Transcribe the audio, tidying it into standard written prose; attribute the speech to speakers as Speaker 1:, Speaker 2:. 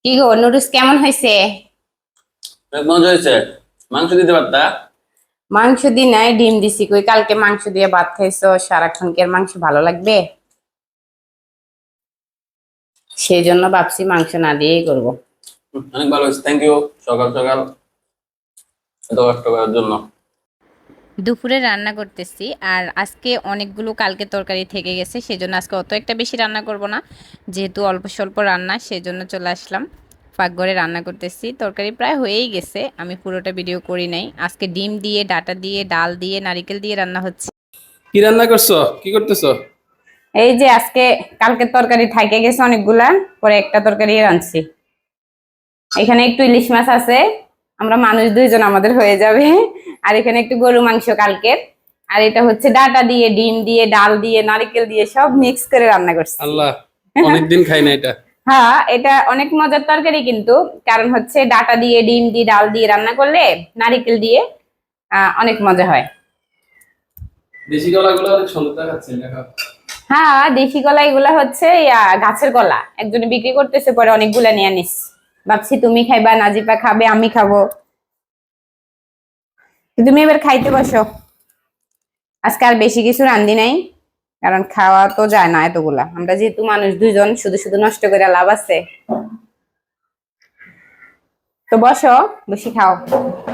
Speaker 1: কি গো নুডলস কেমন হয়েছে?
Speaker 2: অনেক মজা হয়েছে। মাংস দিতে পারতা।
Speaker 1: মাংস দি নাই, ডিম দিছি। কই কালকে মাংস দিয়ে ভাত খাইছো, সারাক্ষণ কি আর মাংস ভালো লাগবে? সেই জন্য ভাবছি মাংস না দিয়েই করবো।
Speaker 2: অনেক ভালো হয়েছে, থ্যাংক ইউ। সকাল সকাল এত কষ্ট করার জন্য।
Speaker 3: দুপুরে রান্না করতেছি আর আজকে অনেকগুলো কালকে তরকারি থেকে গেছে, সেজন্য আজকে অত একটা বেশি রান্না করব না, যেহেতু অল্প স্বল্প রান্না সেজন্য চলে আসলাম পাকঘরে রান্না করতেছি। তরকারি প্রায় হয়েই গেছে, আমি পুরোটা ভিডিও করি নাই। আজকে ডিম দিয়ে, ডাটা দিয়ে, ডাল দিয়ে, নারিকেল দিয়ে রান্না হচ্ছে।
Speaker 2: কি রান্না করছো, কি করতেছো?
Speaker 1: এই যে আজকে কালকের তরকারি থাইকে গেছে অনেকগুলা, পরে একটা তরকারি রাঁধছি। এখানে একটু ইলিশ মাছ আছে, আমরা মানুষ দুইজন, আমাদের হয়ে যাবে। আর এখানে একটু গরু মাংস কালকের। আর এটা হচ্ছে ডাটা দিয়ে, ডিম দিয়ে, ডাল দিয়ে, নারিকেল দিয়ে সব মিক্স করে রান্না করছি।
Speaker 2: আল্লাহ, অনেকদিন খাই না এটা।
Speaker 1: হ্যাঁ, এটা অনেক মজার তরকারি কিন্তু। কারণ হচ্ছে ডাটা দিয়ে, ডিম দিয়ে, ডাল দিয়ে রান্না করলে, নারিকেল দিয়ে অনেক মজা হয়।
Speaker 2: দেশি কলাগুলো অনেক সুন্দর দেখাচ্ছে, দেখো।
Speaker 1: হ্যাঁ, দেশি কলা এগুলা হচ্ছে গাছের কলা, একজনে বিক্রি করতেছে, পরে অনেকগুলা নিয়ে নিস। ভাবছি তুমি খাইবা, নাজিপা খাবে, আমি খাবো। তো তুমি এবার খাইতে বসো। আজকে আর বেশি কিছু রান্ধি নাই, কারণ খাওয়া তো যায় না এতগুলা। আমরা যেহেতু মানুষ দুইজন, শুধু শুধু নষ্ট করে লাভ আছে। তো বসো, বসে খাও।